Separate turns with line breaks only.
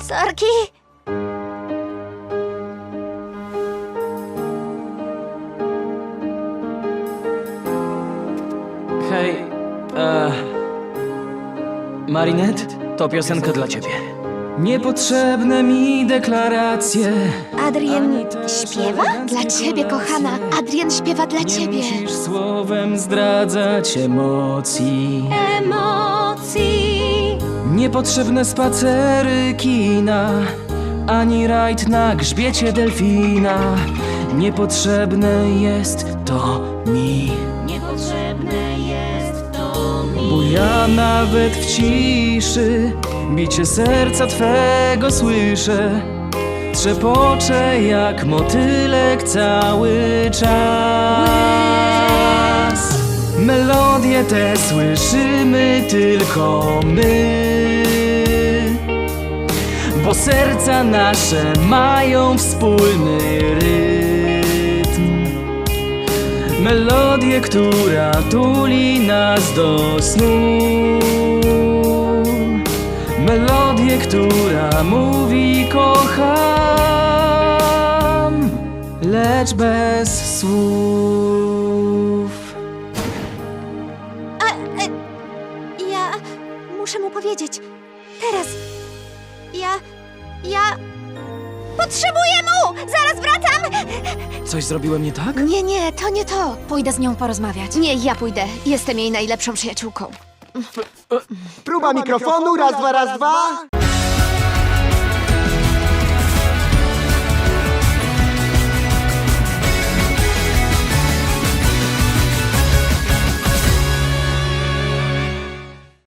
Sorki.
Hej, Marinette, to piosenka dla ciebie. Niepotrzebne mi deklaracje.
Adrien śpiewa? Dla ciebie, kochana. Adrien śpiewa dla
Nie
ciebie.
musisz słowem zdradzać emocji. Niepotrzebne spacery kina, ani rajd na grzbiecie delfina. Niepotrzebne jest to mi. Bo ja nawet w ciszy bicie serca twego słyszę. Trzepoczę jak motylek cały czas. Melodie te słyszymy tylko my, bo serca nasze mają wspólny rytm. Melodię, która tuli nas do snu. Melodię, która mówi kocham, lecz bez słów.
Ja muszę mu powiedzieć. Teraz. Ja potrzebuję mu! Zaraz wracam!
Coś zrobiłem nie tak?
Nie, to nie to. Pójdę z nią porozmawiać. Nie, ja pójdę. Jestem jej najlepszą przyjaciółką.
Próba mikrofonu, raz, dwa, raz, dwa.